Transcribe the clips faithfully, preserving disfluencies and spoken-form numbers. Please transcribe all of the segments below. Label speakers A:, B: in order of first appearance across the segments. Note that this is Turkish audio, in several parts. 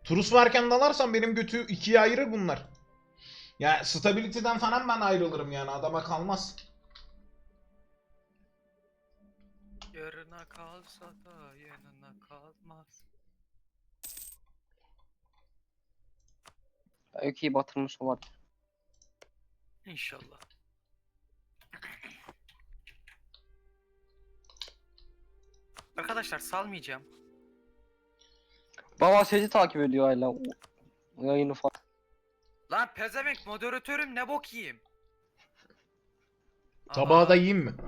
A: Turus varken dalarsan benim götü ikiye ayırır bunlar. Ya stability'den falan ben ayrılırım yani, adama kalmaz.
B: Yarına kalsa da yanına kalmaz.
C: Öykü'yü batırmış olabilir.
B: İnşallah. Arkadaşlar salmayacağım.
C: Baba seni takip ediyor hala. O- Yayını falan.
B: Lan pezevenk moderatörüm ne bok yiyeyim.
A: Tabağı da
B: Aha,
A: yiyeyim mi?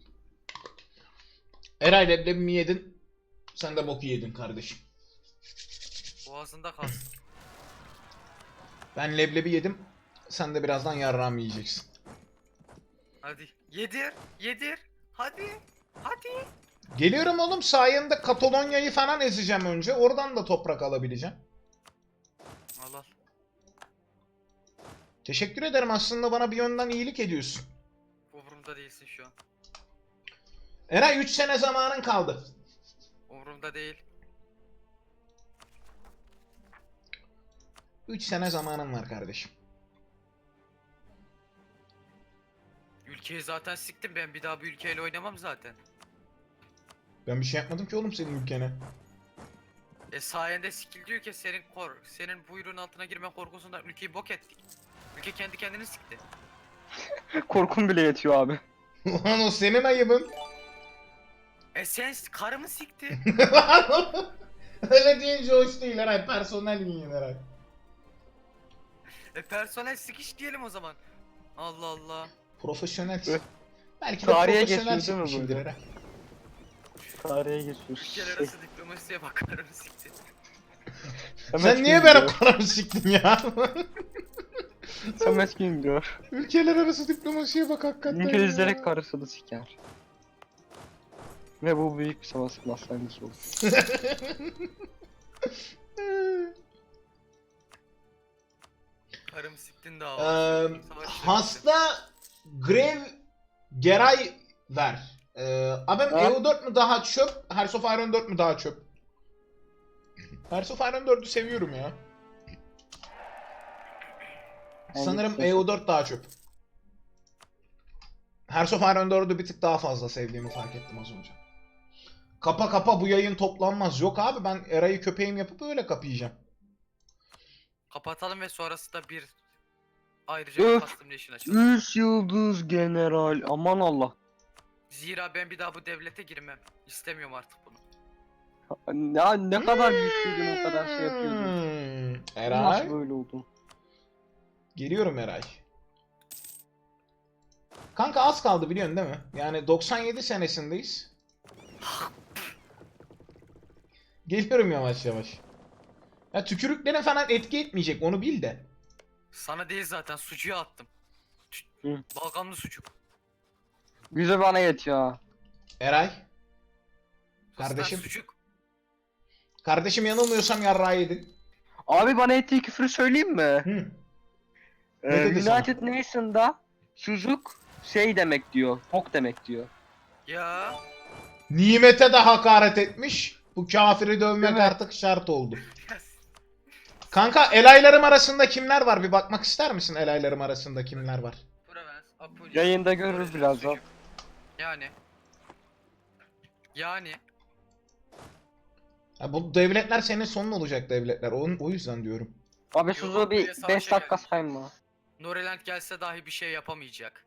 A: Eray, leblebi mi yedin? Sen de boku yedin kardeşim.
B: boğazında kalsın.
A: Ben leblebi yedim. Sen de birazdan yarrağımı yiyeceksin.
B: Hadi yedir, yedir. Hadi, hadi.
A: Geliyorum oğlum, sayende Katalonya'yı falan ezeceğim önce. Oradan da toprak alabileceğim.
B: Al al.
A: Teşekkür ederim, aslında bana bir yönden iyilik ediyorsun.
B: Umurumda değilsin şu an.
A: Eray, üç sene zamanın kaldı.
B: Umurumda değil.
A: üç sene zamanın var kardeşim.
B: Ülkeyi zaten siktim, ben bir daha bir ülkeyle oynamam zaten.
A: Ben bir şey yapmadım ki oğlum senin ülkene.
B: E sayende sikil diyor ki senin kor, senin buyruğun altına girme korkusundan ülkeyi bok ettik. Ülke kendi kendini sikti.
C: Korkum bile yetiyor abi.
A: Ulan o senin ayıbın.
B: E sen karımı sikti.
A: Öyle deyince hoş değil Eray. Personel yiyin Eray.
B: E personel sikiş diyelim o zaman. Allah Allah.
A: Profesyonel.
C: Evet.
A: Belki de
C: Tarihe
A: profesyonel
C: geçiyor değil mi
A: sikmişimdir
C: böyle?
A: Eray.
C: Tarihe geçiyoruz.
B: Ülkeler
C: Şey,
B: arası diplomasiye bak, karımı sikti.
A: Sen niye benim karımı siktin ya?
C: Samet Güngör.
A: Ülkeler arası diplomasiye bak hakikaten
C: İngilizlere
A: ya.
C: karısını siker. Ve bu büyük bir savaş başlangıcı olur.
B: Karımı siktin daha.
A: Eee, hasta Grev Geray ver. Eee abim
C: Ha?
A: E U dört mü daha çöp, Hearts of Iron dört mü daha çöp? Hearts of Iron dördü seviyorum ya.
C: Yani
A: Sanırım
C: şey-
A: E U dört daha çöp. Hearts of Iron dördü bir tık daha fazla sevdiğimi fark ettim az önce. Kapa kapa bu yayın toplanmaz. Yok abi, ben Eray'ı köpeğim yapıp öyle kapayacağım.
B: Kapatalım ve sonrasında bir ayrıca bir
C: Öf.
B: custom nation açalım.
C: Üç yıldız general. Aman Allah.
B: Zira ben bir daha bu devlete girmem. İstemiyorum artık bunu.
C: Ya ne kadar güçlüydün, o kadar şey yapıyordun.
A: Hmm,
C: Nasıl
A: Eray.
C: böyle oldun?
A: Geliyorum Eray. Kanka az kaldı biliyorsun değil mi? Yani doksan yedi senesindeyiz. Geliyorum yavaş yavaş. Ya tükürüklerin falan etki etmeyecek, onu bil de.
B: Sana değil zaten, sucuğa attım.
C: Hı.
B: Balgamlı sucuk.
C: Yüzü bana yetiyor ha.
A: Eray.
B: Sus lan,
A: Kardeşim.
B: sucuk.
A: Kardeşim, yanılmıyorsam yarrağı yedin.
C: Abi bana ettiği küfürü söyleyeyim mi?
A: Hı. Ne
C: Ee,
A: dedi sana?
C: United Nations'da çocuk şey demek diyor. Tok demek diyor.
B: Ya.
A: Nimete de hakaret etmiş. Bu kafiri dövmek
C: Değil mi?
A: artık şart oldu. Kanka elaylarım arasında kimler var? Bir bakmak ister misin elaylarım arasında kimler var?
B: Provence, Apulia,
C: Yayında görürüz
B: Florida,
C: birazdan.
B: sucuk. Yani. Yani.
A: Ya bu devletler senin sonun olacak devletler. O, o yüzden diyorum.
C: Abi
B: Yo,
C: Suzu
B: buraya
C: bir
B: savaşa
C: beş dakika
B: geldik.
C: sayma.
B: Noreland gelse dahi bir şey yapamayacak.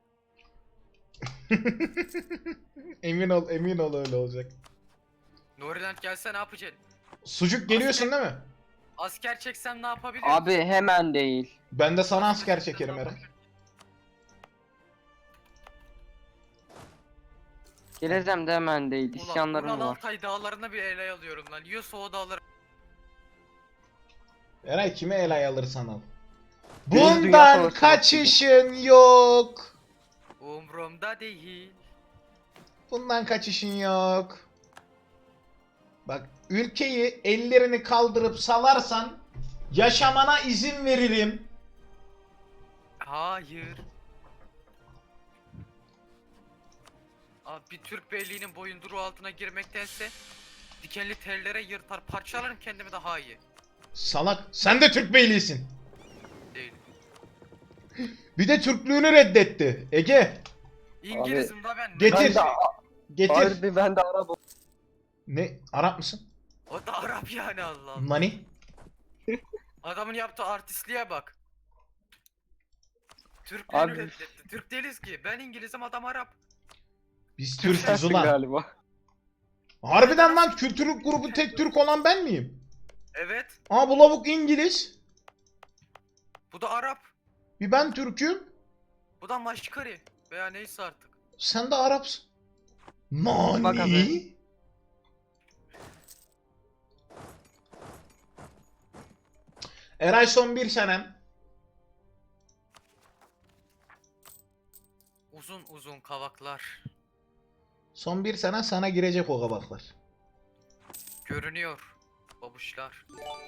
A: Emin ol, emin ol öyle olacak.
B: Noreland gelse ne yapacaksın?
A: Sucuk geliyorsun
B: Asker-
A: değil mi?
B: Asker çeksem ne yapabilirim?
C: Abi hemen değil.
A: Ben de sana
B: Asker
A: asker
B: çeksem
A: çekerim
B: ne
A: Eray.
B: yapabilirim?
C: Geleceğim de hemen değil.
B: Ulan
C: İsyanlarım
B: Ural
C: var.
B: Altay dağlarına bir ele alıyorum lan. Yiyorsa o dağları.
A: Eray, kime elay alırsan al.
C: Birinci Dünya
A: Bundan
C: Savaşı
A: kaçışın yok.
B: Umrumda değil.
A: Bundan kaçışın yok. Bak, ülkeyi ellerini kaldırıp salarsan yaşamana izin veririm.
B: Hayır. Abi bir Türk beyliğinin boyunduruğu altına girmektense dikenli tellere yırtar parçalarım kendimi daha iyi.
A: Salak. Sen de Türk beyliğisin.
B: Değil.
A: Bir de Türklüğünü reddetti. Ege.
B: İngilizim da ben.
A: Getir.
C: Ben de,
A: Getir.
C: harbi ben de Arap.
A: Ne? Arap mısın?
B: O da Arap yani Allah Allah.
A: Nani?
B: Adamın yaptığı artistliğe bak. Türklüğünü
C: Abi-
B: reddetti. Türk değiliz ki. Ben İngilizim, adam Arap.
A: Biz
C: Türk
A: Türk'üz
C: sensin
A: ulan.
C: galiba.
A: Harbiden lan kültürlük grubu tek Türk olan ben miyim?
B: Evet.
A: Aa bu lavuk İngiliz.
B: Bu da Arap.
A: Bir ben Türk'üm.
B: Bu da Maşkari. Veya neyse artık.
A: Sen de Arapsın.
C: Bak
A: Nani?
C: abi.
A: Eray son bir senem.
B: Uzun uzun kavaklar.
A: Son bir sene sana girecek o kabaklar.
B: Görünüyor. Babuşlar.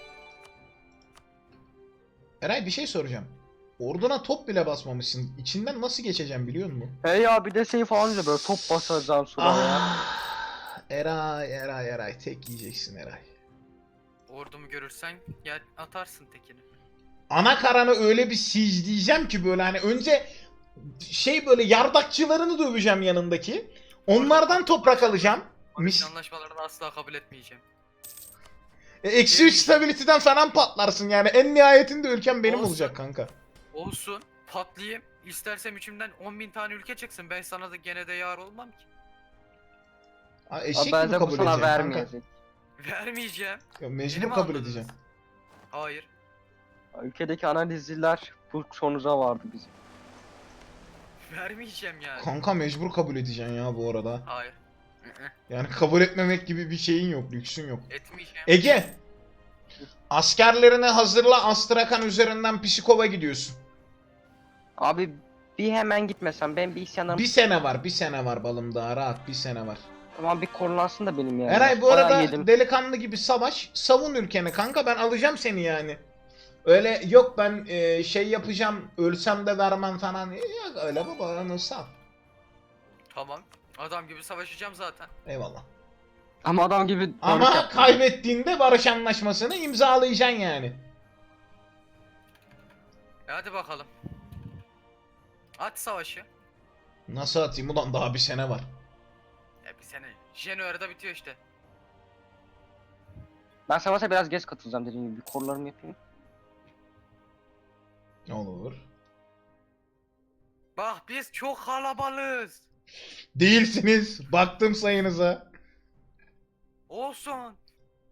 A: Eray bir şey soracağım. Orduna top bile basmamışsın. İçinden nasıl geçeceğim biliyor musun?
C: Hey ya bir de şey falan diyor böyle top basacağım sonra ya.
A: Ah, Eray, Eray, Eray. Tek yiyeceksin Eray.
B: Ordumu görürsen gel atarsın tekini.
A: Ana karanı öyle bir siege'leyeceğim ki böyle hani önce şey böyle yardakçılarını döveceğim yanındaki. Onlardan toprak alacağım.
B: Barış
A: Mis-
B: anlaşmalarını asla kabul etmeyeceğim.
A: E, Eksi üç stability'den falan patlarsın yani. En nihayetinde ülkem benim
B: Olsun.
A: olacak kanka.
B: Olsun. Patlayayım. İstersem içimden on bin tane ülke çıksın. Ben sana da gene de yar olmam ki.
A: Ha,
C: Abi
A: eşek
C: ben
A: gibi
C: de bu
A: kabul
C: sana
A: edeceğim kanka.
C: vermeyecek.
B: Vermeyeceğim.
A: Ya, mecbur
B: Beni mi
A: kabul
B: anladınız?
A: edeceğim.
B: Hayır.
C: Ülkedeki analizciler bu sonuca vardı bizim.
B: Vermeyeceğim yani.
A: Kanka mecbur kabul edeceksin ya bu arada.
B: Hayır. Hı-hı.
A: Yani kabul etmemek gibi bir şeyin yok, lüksün yok.
B: Etmeyeceğim.
A: Ege! Askerlerini hazırla, Astrakan üzerinden Psikov'a gidiyorsun.
C: Abi bir hemen gitmesem ben bir isyanlarım.
A: Bir sene var, bir sene var balım daha rahat, bir sene var.
C: Ama bir korulansın da benim yani.
A: Eray bu
C: Bayağı
A: arada
C: yedim.
A: delikanlı gibi savaş, savun ülkeni kanka, ben alacağım seni yani. Öyle yok ben e, şey yapacağım, ölsem de vermem falan. E, Yok öyle baba, onu sal.
B: Tamam. Adam gibi savaşacağım zaten.
A: Eyvallah.
C: Ama adam gibi barış
A: Ama
C: yaptı.
A: kaybettiğinde barış anlaşmasını imzalayacaksın yani.
B: E hadi bakalım. At savaşı.
A: Nasıl atayım ulan, daha bir sene var.
B: E bir sene. January'da bitiyor işte.
C: Ben savaşa biraz geç katılacağım dediğim gibi. Bir korularımı yapayım.
A: Ne olur.
B: Bak biz çok kalabalığız.
A: Değilsiniz. Baktım sayınıza.
B: Olsun.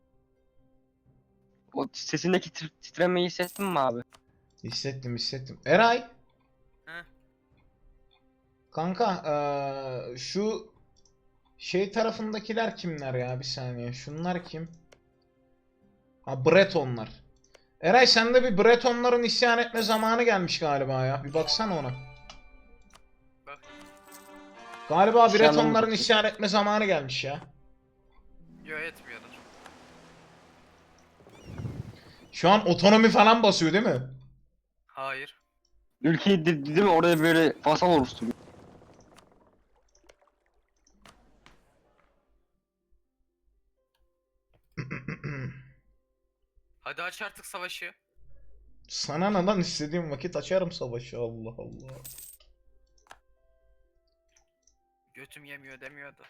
C: O sesindeki tir- titremeyi hissettin mi abi?
A: Hissettim hissettim. Eray.
B: Heh.
A: Kanka eee, şu şey tarafındakiler kimler ya, bir saniye. Şunlar kim? Ha, Bretonlar. Eray sende bir Bretonların isyan etme zamanı gelmiş galiba ya. Bir baksana ona.
B: Bak.
A: Galiba
C: İsyanların
A: Bretonların
C: bitti.
A: isyan etme zamanı gelmiş ya.
B: Yo etmiyordur.
A: Şu an otonomi falan basıyor değil mi?
B: Hayır.
C: Ülkeyi de- değil mi oraya böyle vasal oluşturuyor.
B: Hadi aç artık savaşı.
A: Sana ne lan, istediğim vakit açarım savaşı, Allah Allah.
B: Götüm yemiyor demiyordu.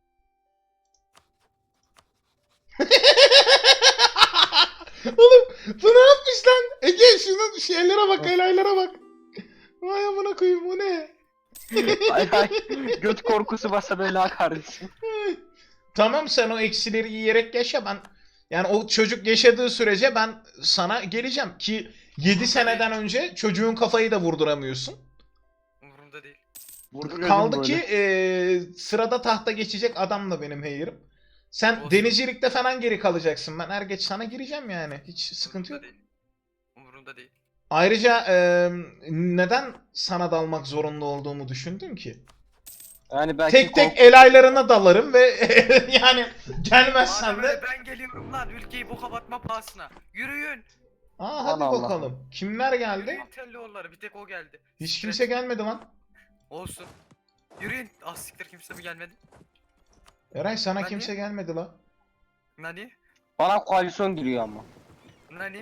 A: Oğlum bu ne yapmış lan? Ege şunun şeylere bak, elaylara bak. Vay amına koyayım, bu ne?
C: Ay ay. Göt korkusu basa bela kardeşim.
A: Tamam sen o eksileri yiyerek yaşa, ben yani o çocuk yaşadığı sürece ben sana geleceğim ki yedi seneden önce çocuğun kafayı da vurduramıyorsun.
B: Umurumda değil.
C: Vurduruyordum
A: Kaldı
C: böyle.
A: ki eee, sırada tahta geçecek adam da benim heyirim. Sen
B: Olsun.
A: denizcilikte falan geri kalacaksın. Ben er geç sana gireceğim yani. Hiç sıkıntı yok.
B: Umurumda değil. Umurumda değil.
A: Ayrıca eee, neden sana dalmak zorunda olduğumu düşündün ki?
C: Yani belki
A: Tek tek
C: kork-
A: el aylarına dalarım ve yani gelmezsen
B: Madem
A: de...
B: öyle ben geliyorum lan ülkeyi boka batma pahasına. Yürüyün.
A: Aa hadi
C: Allah Allah.
A: bakalım. Kimler geldi?
B: Yürüyün Telloğulları, bir tek o geldi.
A: Hiç
B: Siktir
A: kimse
B: et.
A: gelmedi lan.
B: Olsun. Yürüyün. Az siktir kimse mi gelmedi?
A: Eray sana
B: Hadi.
A: kimse gelmedi lan.
B: Nani?
C: bana koalisyon giriyor ama.
B: Nani?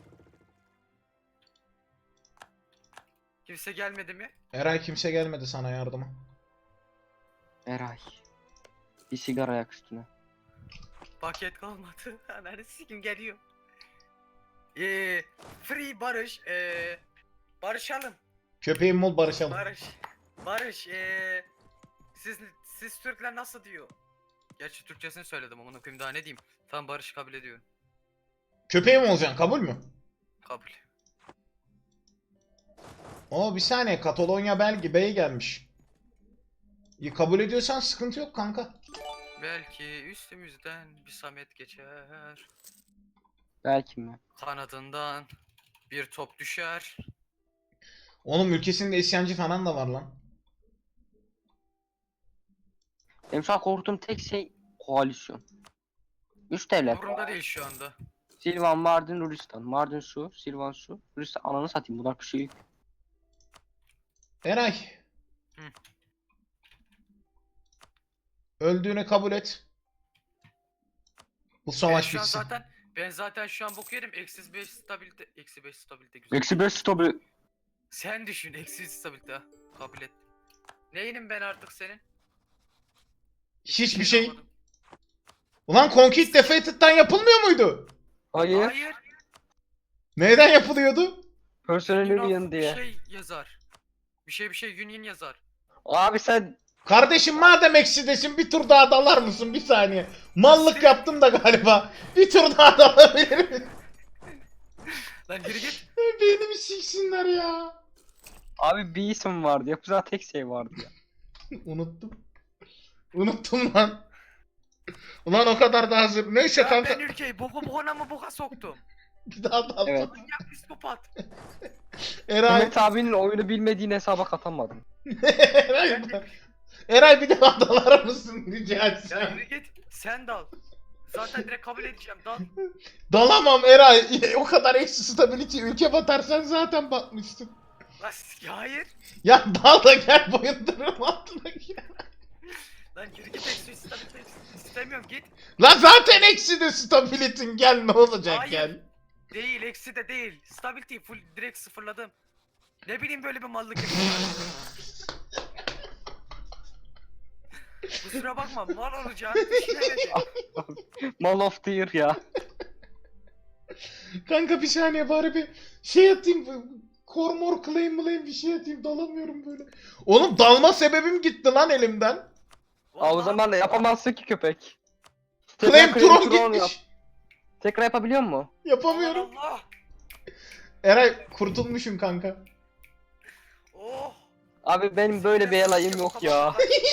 B: Kimse gelmedi mi?
A: Eray kimse gelmedi sana yardıma.
C: Eray. Bir sigara yak üstüne.
B: Paket kalmadı. Ananı sikim geliyor. Eee free Barış. Eee barışalım.
A: Köpeğim ol barışalım.
B: Barış. Barış. Eee siz siz Türkler nasıl diyor? Gerçi Türkçesini söyledim ama koyayım daha ne diyeyim. Tamam Barış kabul ediyorum.
A: Köpeğim olacaksın kabul mü?
B: Kabul.
A: Oo bir saniye Katalonya Belgi Bey gelmiş. İyi, kabul ediyorsan sıkıntı yok kanka.
B: Belki üstümüzden bir Samet geçer.
C: Belki mi?
B: Kanadından bir top düşer.
A: Onun ülkesinde isyancı falan da var lan.
C: Benim şu an korktuğum tek şey koalisyon. Üç devlet.
B: Umurumda değil şu anda.
C: Silvan, Mardin, Ruristan. Mardin su, Silvan su. Ruristan ananı satayım bunlar bir şey.
A: Eray.
B: Hı.
A: Öldüğünü kabul et. Bu
B: Ben
A: savaş
B: şu an
A: bitsin.
B: zaten ben zaten şu an bok yerim. Eksi beş stabilite. Eksi beş stabilite güzel.
C: Eksi beş stopu.
B: Sen düşün eksi üç stabilite. ha. Kabul et. Neyinim ben artık senin?
A: Hiçbir şey.
B: olmadım.
A: Ulan Conquest Defeated'dan yapılmıyor muydu?
C: Hayır.
B: Hayır.
A: Neyden yapılıyordu?
C: Personel
B: Union
C: Union
B: bir
C: diye.
B: şey yazar. Bir şey bir şey Union yazar.
C: Abi sen
A: Kardeşim madem eksidesin bir tur daha dalar mısın bir saniye? Mallık yaptım da galiba. Bir tur daha dalabilir miyim?
B: Lan yürü git.
A: Beynimi siksinler ya.
C: abi bir isim vardı. Yapacağı tek şey vardı ya.
A: Unuttum. Unuttum lan. Ulan o kadar da hazır. Neyse
B: Ya
A: kanka.
B: ben ülkeyi boku bokuna mı boka soktum?
A: Bir daha dal.
C: Evet.
B: Manyak psikopat.
A: Eray.
C: Mehmet abinin oyunu bilmediğini hesaba katamadım.
A: Eray, Eray bir daha dalar mısın rica
B: Ya
A: etsem.
B: yürü git. Sen dal. Zaten direkt kabul edeceğim dal.
A: Dalamam Eray. O kadar eksi stability ülke batarsan zaten batmışsın.
B: Lan s- ya hayır.
A: Ya dal da gel boyundurun altına gir.
B: Lan yürü git eksi üç stabilite istemiyorum git.
A: Lan zaten eksi de stability'in gel ne olacak
B: Hayır.
A: gel.
B: Değil eksi de değil. Stability'yi full direkt sıfırladım. Ne bileyim böyle bir mallık yapıyorlar. Kusura bakma mal olacağını düşünemedim.
C: Mall of the Year ya.
A: Kanka bir saniye bari bir şey atayım. Kormor claim claim bir şey atayım dalamıyorum böyle. Oğlum dalma sebebim gitti lan elimden.
C: Aa, o
B: Vallahi
C: zaman da yapamazsın ki köpek.
A: Claim
C: Tekrar
A: Tron
C: Tron
A: gitmiş.
C: yap. Tekrar yapabiliyor mu?
A: Yapamıyorum.
B: Allah Allah.
A: Eray kurtulmuşum kanka.
B: Oh.
C: Abi benim böyle bir elayım yok ya.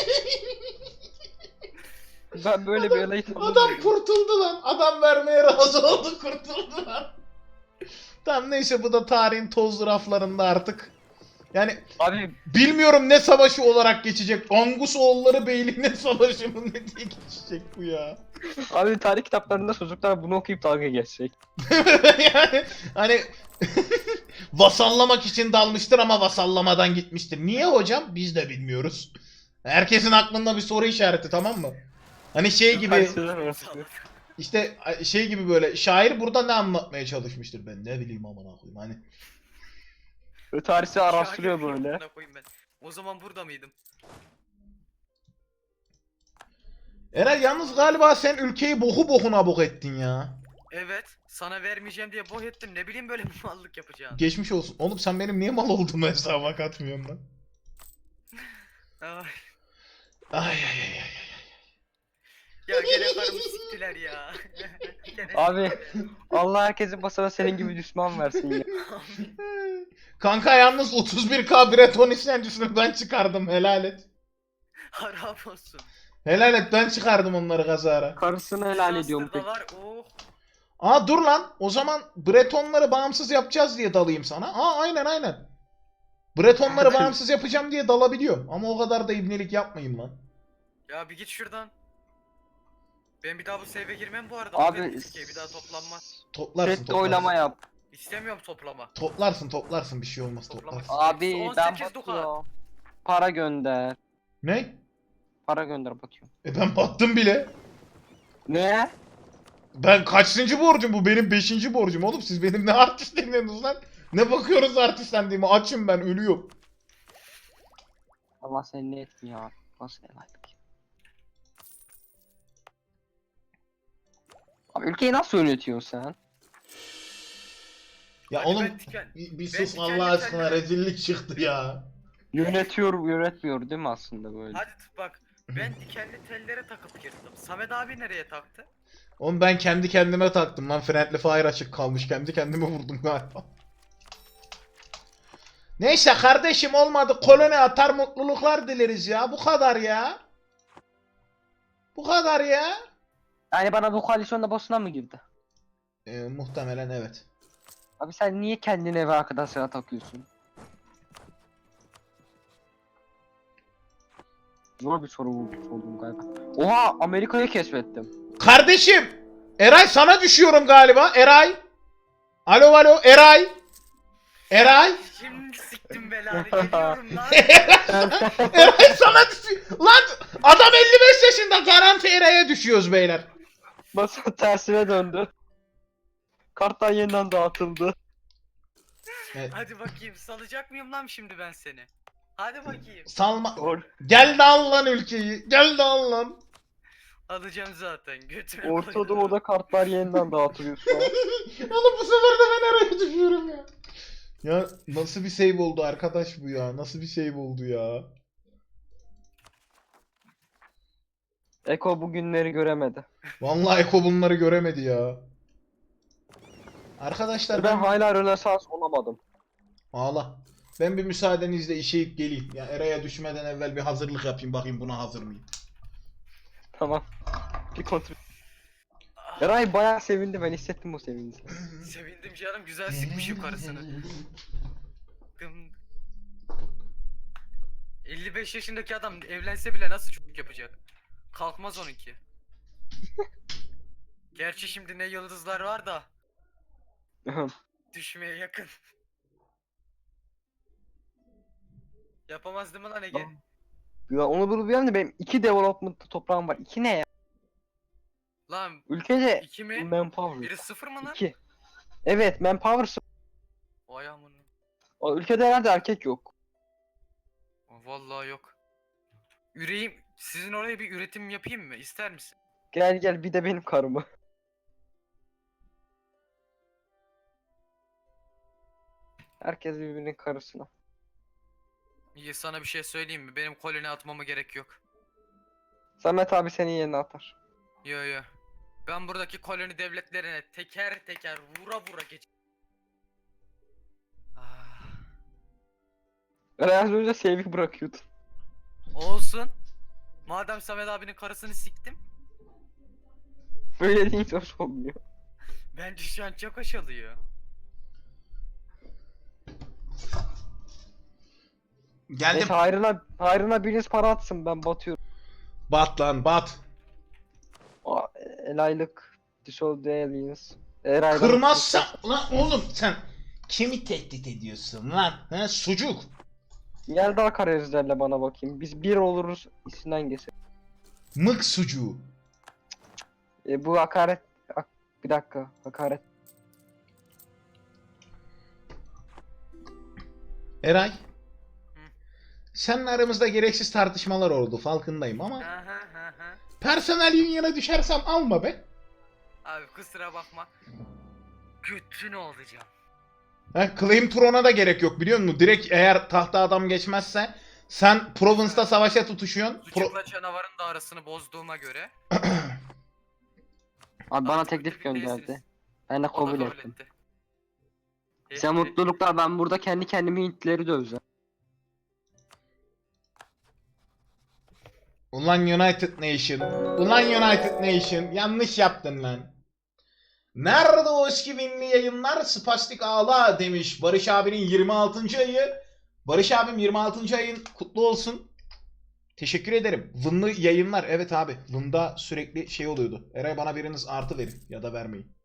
C: Ben böyle bir elayı
A: Adam kurtuldu lan. Adam vermeye razı oldu kurtuldu lan. Tamam neyse bu da tarihin tozlu raflarında artık. Yani
C: Abi
A: bilmiyorum ne savaşı olarak geçecek. Angus oğulları beyliğine savaşı mı ne diye geçecek bu ya.
C: abi tarih kitaplarında çocuklar bunu okuyup dalga geçecek.
A: Yani hani vasallamak için dalmıştır ama vasallamadan gitmiştir. Niye hocam? Biz de bilmiyoruz. Herkesin aklında bir soru işareti tamam mı? Hani şey gibi
C: Karşılar arası.
A: işte şey gibi böyle şair burada ne anlatmaya çalışmıştır ben ne bileyim amına koyayım hani.
C: Böyle tarihçi araştırıyor
B: Şakir
C: böyle.
B: amına koyayım ben. O zaman burada mıydım?
A: Eray yalnız galiba sen ülkeyi boku bokuna bok ettin ya.
B: Evet. Sana vermeyeceğim diye boh ettim. Ne bileyim böyle bir mallık yapacağım.
A: Geçmiş olsun. Oğlum sen benim niye mal olduğumu hesaba katmıyorsun lan?
B: Ay.
A: Ay ay ay ay.
B: Ya gene karımı siktiler ya. Gene
C: Abi
B: siktiler.
C: Allah herkesin basına senin gibi düşman versin ya.
A: Kanka yalnız otuz bir K Breton isyancısını ben çıkardım helal et.
B: Haram olsun.
A: Helal et ben çıkardım onları kazara.
C: Karısını helal ediyorum peki.
B: Var. Oh.
A: Aa dur lan o zaman Bretonları bağımsız yapacağız diye dalayım sana. Aa aynen aynen. Bretonları bağımsız yapacağım diye dalabiliyorum. Ama o kadar da ibnelik yapmayayım lan.
B: Ya bir git şuradan. Ben bir daha bu save'e girmem bu arada.
C: Abi
B: Abi bir daha toplanmaz.
A: Toplarsın
C: Chat'te
A: toplarsın.
C: oylama yap.
B: İstemiyorum toplama.
A: Toplarsın toplarsın bir şey olmaz
B: Toplamak
A: toplarsın.
C: Abi
B: on
C: ben
B: sekiz Dukat.
C: batıyorum. Para gönder.
A: Ne?
C: Para gönder bakıyorum.
A: E ben battım bile.
C: Ne?
A: Ben kaçıncı borcum bu? Benim beşinci borcum oğlum. Siz benim ne artist demiyorsunuz lan? Ne bakıyoruz artistlendiğime? Açım ben, ölüyorum.
C: Allah seni ne etmiyor abi. Nasıl elaylık? Abi ülkeyi nasıl yönetiyorsun sen?
A: Ya
B: Hadi
A: oğlum
B: ben diken-
A: bir, bir
B: ben
A: sus
B: dikenli
A: Allah aşkına,
B: telleri-
A: rezillik çıktı ya.
C: Yönetiyor, yönetmiyor değil mi aslında böyle?
B: Hadi tut bak. Ben dikenli tellere takıp girdim. Samet abi nereye taktı?
A: Oğlum ben kendi kendime taktım lan. Friendly Fire açık kalmış. Kendi kendime vurdum galiba. Neyse kardeşim, olmadı. Koloni atar, mutluluklar dileriz ya. Bu kadar ya. Bu kadar ya.
C: Yani bana bu koalisyonda boşuna mı girdi?
A: Ee, muhtemelen evet.
C: Abi sen niye kendine eve arkadaşlara takıyorsun? Zor bir soru bu- sordum galiba. Oha, Amerika'yı keşfettim.
A: Kardeşim! Eray sana düşüyorum galiba. Eray! Alo alo Eray! Eray!
B: Şimdi siktim belanı geliyorum lan.
A: Eray sana düşüyor. Lan adam elli beş yaşında, garanti Eray'a düşüyoruz beyler.
C: Masa tersine döndü. Kartlar yeniden dağıtıldı.
A: Evet.
B: Hadi bakayım salacak mıyım lan şimdi ben seni? Hadi bakayım.
A: Salma.
C: Or
A: Gel de al lan ülkeyi. Gel de al lan.
B: Alacağım zaten götüne
C: Orta
B: koydum.
C: Doğu'da kartlar yeniden dağıtılıyor şu an.
A: Oğlum bu sefer de ben Eray'a düşüyorum ya. Ya nasıl bir save oldu arkadaş bu ya? Nasıl bir save oldu ya?
C: Eko bu günleri göremedi.
A: Vallahi Eko bunları göremedi ya. Arkadaşlar
C: Ben
A: ben...
C: hala Rönesans olamadım.
A: Ağla. Ben bir müsaadenizle işeyip geleyim. Ya Eray'a düşmeden evvel bir hazırlık yapayım, bakayım buna hazır mıyım?
C: Tamam. Bir kontrol. Eray bayağı sevindi, ben hissettim o sevinci.
B: Sevindim canım, güzel sıkmış yukarısını. Gım. elli beş yaşındaki adam evlense bile nasıl çocuk yapacak? Kalkmaz onunki. Gerçi şimdi ne yıldızlar var da düşmeye yakın. Yapamaz değil mi lan Ege?
C: Ya onu bunu bir de benim iki development toprağım var. İki ne ya?
B: Lan
C: Ülkece
B: iki mi?
C: manpower.
B: Biri sıfır mı lan?
C: İki. Evet, manpower sıfır.
B: Vay amına.
C: O ülkede herhalde erkek yok.
B: Vallahi yok. Üreyim. Sizin oraya bir üretim yapayım mı? İster misin?
C: Gel gel, bir de benim karımı. Herkes birbirinin karısına.
B: İyi, sana bir şey söyleyeyim mi? Benim koloni atmama gerek yok.
C: Samet abi senin yerine atar.
B: Yo yo. Ben buradaki koloni devletlerine teker teker vura vura geç. Ah,
C: Eray az önce sevgi bırakıyordun.
B: olsun. Madem Samet abinin karısını siktim.
C: Böyle deyince hoş olmuyor.
B: Bence şu an çok hoş oluyor.
A: Geldim.
C: Neyse hayrına, hayrına biriniz para atsın, ben batıyorum.
A: Bat lan bat.
C: Aa, el aylık. Dissolved aliens. Eray'dan...
A: Kırmazsa... Lan oğlum sen kimi tehdit ediyorsun lan? He sucuk.
C: Gel daha karizlerle bana bakayım. Biz bir oluruz içinden geçer.
A: Mık sucuğu.
C: E, bu hakaret... Ak- Bir dakika, hakaret.
A: Eray. Seninle aramızda gereksiz tartışmalar oldu, farkındayım ama
B: Aha, aha.
A: personel union'a düşersem alma be.
B: Abi kusura bakma. Götünü olacağım.
A: He, Claim Throne'a da gerek yok biliyor musun? Direkt eğer tahta adam geçmezse sen Province'da savaşa tutuşuyorsun. Pro-
B: Sucukla canavarın da arasını bozduğuma göre.
C: Abi bana
B: Artık
C: teklif
B: müttefik
C: gönderdi.
B: değilsiniz.
C: Ben de
B: O da
C: kabul
B: kabul
C: ettim.
B: etti.
C: Sen
B: Etti.
C: mutluluklar, ben burada kendi kendimi Hintlileri döveceğim.
A: Ulan United Nation. Ulan United Nation. Yanlış yaptın lan. Nerede o eski binli yayınlar? Spastik ağla demiş. Barış abinin yirmi altıncı ayı. Barış abim yirmi altıncı ayın kutlu olsun. Teşekkür ederim. Vınlı yayınlar. Evet abi. Vın'da sürekli şey oluyordu. Eray bana biriniz artı verin ya da vermeyin.